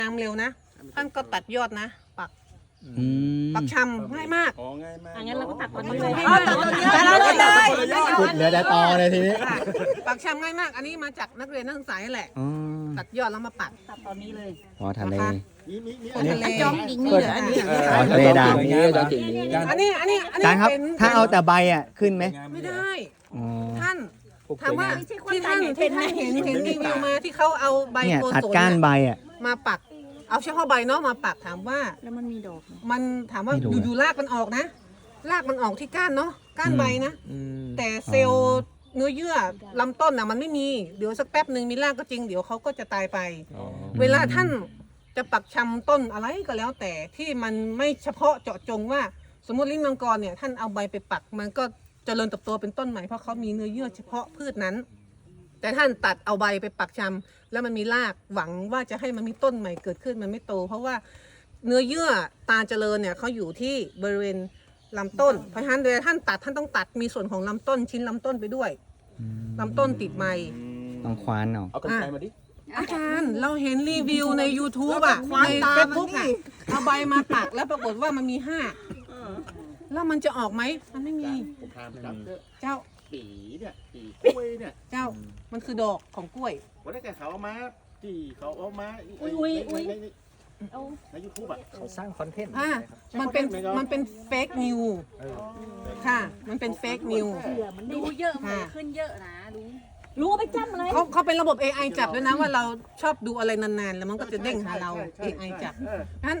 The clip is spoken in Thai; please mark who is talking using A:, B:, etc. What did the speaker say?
A: น้ำเร็วนะท่านก็ตัดยอดนะปักชำง่ายมาก
B: ง่ายมาก
C: งั้นเราก็ตัดตอนนี้เลย
D: ขุดเหลือแต่ตอเลยทีนี้
A: ปักชำง่ายมากอันนี้มาจากนักเรียนนักศึกษาแหละตัดยอดแล้วมาปัก
C: ตัดตอนนี้เลย
D: อ๋อทะเล
A: ทะเล
C: จอมดิ่งนี่เหรออันนี้
D: ทะเลด่าง
A: อันนี้
D: อาจารย์ครับถ้าเอาแต่ใบอ่ะขึ้นไหม
A: ไม่ได้
D: อ๋อ
A: ท่านถามว่าที่ท่านเห็นรีวิวมาที่เขาเอาใบ
D: เนี่ย
A: โก
D: ตัด
A: ศล
D: ก้านใบอ่ะ
A: มาปักเอาเฉพาะใบเนาะมาปักถามว่า
C: แล้วมันมีดอก
A: มันถามว่าอยู่ๆรากมันออกนะรากมันออกที่ก้านเนาะก้านใบนะแต่เซลล์เนื้อเยื่อลำต้นน่ะมันไม่มีเดี๋ยวสักแป๊บหนึ่งมีรากก็จริงเดี๋ยวเขาก็จะตายไป เวลาท่านจะปักชำต้นอะไรก็แล้วแต่ที่มันไม่เฉพาะเจาะจงว่าสมมติลิ้นมังกรเนี่ยท่านเอาใบไปปักมันก็เจริญเติบโตเป็นต้นใหม่เพราะเขามีเนื้อเยื่อเฉพาะพืชนั้น แต่ท่านตัดเอาใบไปปักชำแล้วมันมีรากหวังว่าจะให้มันมีต้นใหม่เกิดขึ้นมันไม่โต เพราะว่าเนื้อเยื่อตาเจริญเนี่ยเขาอยู่ที่บริเวณลำต้นเพราะฉะนั้นเวลาท่านตัดท่านต้องตัดมีส่วนของลำต้นชิ้นลำต้นไปด้วยลำต้นติดใบ
D: ต้องควานเอา
B: เอากรรไกรมาดิ
A: อาจารย์เราเห็นรีวิวใน YouTube อ่ะในเฟซบุ๊กอ่ะเอาใบมาปักแล้วปรากฏว่ามันมี5แล้วมันจะออกไหมมันไม่มี
B: ผมพาไปจับ
A: เจ้า
B: ปีเนี่ยปีกล้วยเนี่ย
A: เจ้ามันคือดอกของกล้วย
B: วันนี้เขาเอามาที่เขาเอามาในยูทูบอ่ะ
E: เขาสร้างคอนเทนต์
A: มันเป็นเฟกนิวค่ะมันเป็นเฟกนิว
C: ดูเยอะมันขึ้นเยอะนะรู้ว่าไปจำอะไร
A: เขาเป็นระบบ AI จับด้วยนะว่าเราชอบดูอะไรนานๆแล้วมันก็จะเด้งหาเรา AI จับ